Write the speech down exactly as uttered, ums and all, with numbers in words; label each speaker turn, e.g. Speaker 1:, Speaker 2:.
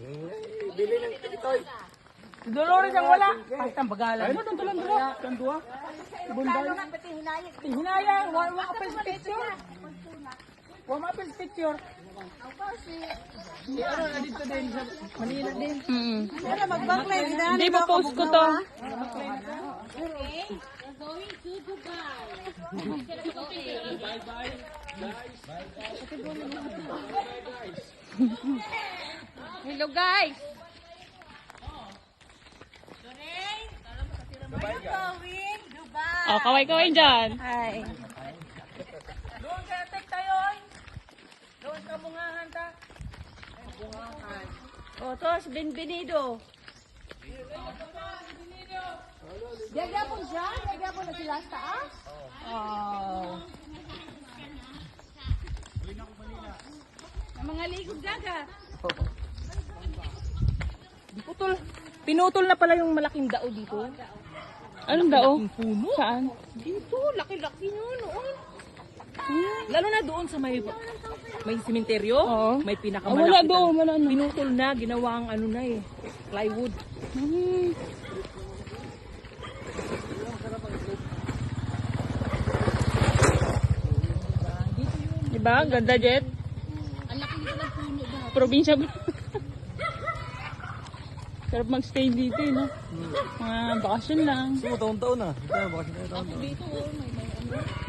Speaker 1: Bili ng itoy.
Speaker 2: Si Dolores ang wala. Kahit ang bagalan. Ano nang tulang dua? Kan dua. Bunday. Hinayang. Wa wa apel picture. Wa ma apel picture. Si ano na dito din sa Manila din.
Speaker 3: Mm.
Speaker 4: Pero mag-backlight din.
Speaker 3: Hindi pa post ko to.
Speaker 4: Hello guys.
Speaker 3: Oh, kaway-kaway dyan.
Speaker 4: Hi.
Speaker 2: Doon ka tek tayo. Doon ka mungahan ta.
Speaker 4: O, to, si Benvenido. Nagyapon siya? Nagyapon na sila sa taas? Oh. Ang mga ligog dagat.
Speaker 2: Putol. Pinutol na pala yung malaking dao dito.
Speaker 3: Anong dao?
Speaker 2: Puno.
Speaker 3: Saan?
Speaker 2: Dito, laki-laki nyo noon. Lalo na doon sa may may sementeryo,
Speaker 3: Oo.
Speaker 2: may
Speaker 3: Oh,
Speaker 2: pinakamalaki.
Speaker 3: wala doon, wala na.
Speaker 2: Pinutol na, ginawang ano na eh, plywood.
Speaker 3: Hmm. Diba? Ganda, Jet.
Speaker 4: Ang laki nito ng puno ba?
Speaker 3: Probinsya ba? Sarap mag-stay dito, eh, no? Mga bakasyon lang.
Speaker 1: Taon-taon na. Ito, bakit na taon-taon.
Speaker 4: Dito, oh, may may ano.